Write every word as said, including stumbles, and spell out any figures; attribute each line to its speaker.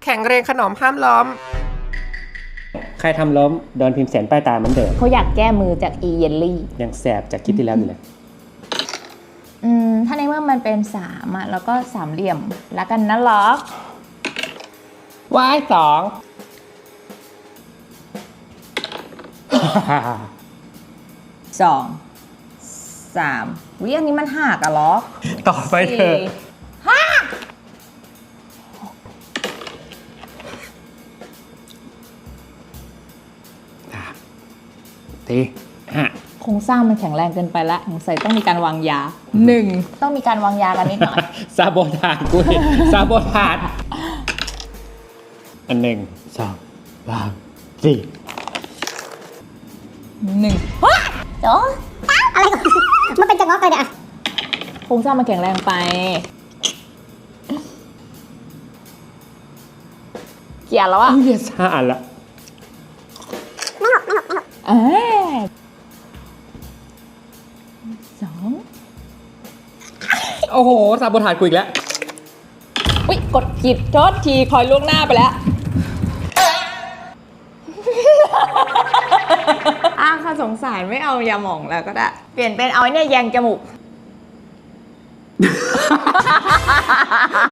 Speaker 1: ข่งเรียงขนมห้ามล้ม
Speaker 2: ใครทำล้มโดนพิมพ์เสนป้ายตาเหมือนเดิม
Speaker 3: เขาอยากแก้มือจากอีเยลลี่
Speaker 2: ยังแสบจากคลิปที่แล้วอยู่เลย
Speaker 3: อืม ถ้าในเมื่อมันเป็นสามอ่ะ แล้วก็สามเหลี่ยมแล้วกันนะล็อก
Speaker 2: ว้ายสอง
Speaker 3: สองสามวิอันนี้มันหักอะล็อก
Speaker 2: ต่อไปเถอะ
Speaker 3: สี่ห้า
Speaker 2: ทีห้า
Speaker 3: โครงสร้างมันแข็งแรงเกินไปละสงสัยต้องมีการวางยาหนึ่งต้องมีการวางยากันนิดหน่อย
Speaker 2: ซาโบทาดกูดิซาโบทาดอันหนึ่งสองสามสี่
Speaker 3: หนึ่ง
Speaker 4: โจ๊อะไรก่อนมันเป็นจังงอกเลยเนี่ย
Speaker 3: โครงสร้างมันแข็งแรงไป เกลียร์แล้วอะ
Speaker 2: เฮียซ่าละ
Speaker 4: ไม่หกไม่หกไม่หก
Speaker 3: เอ้ยสอง
Speaker 2: โอ้โหซาโบทาดกูอีกแล้ว
Speaker 3: อุ๊ยกดผิดโทษทีคอยล่วงหน้าไปแล้ว อ้าวค่ะสงสารไม่เอายาหม่องแล้วก็ได้ เปลี่ยนเป็นเอาไอ้เนี่ยแยงจมูก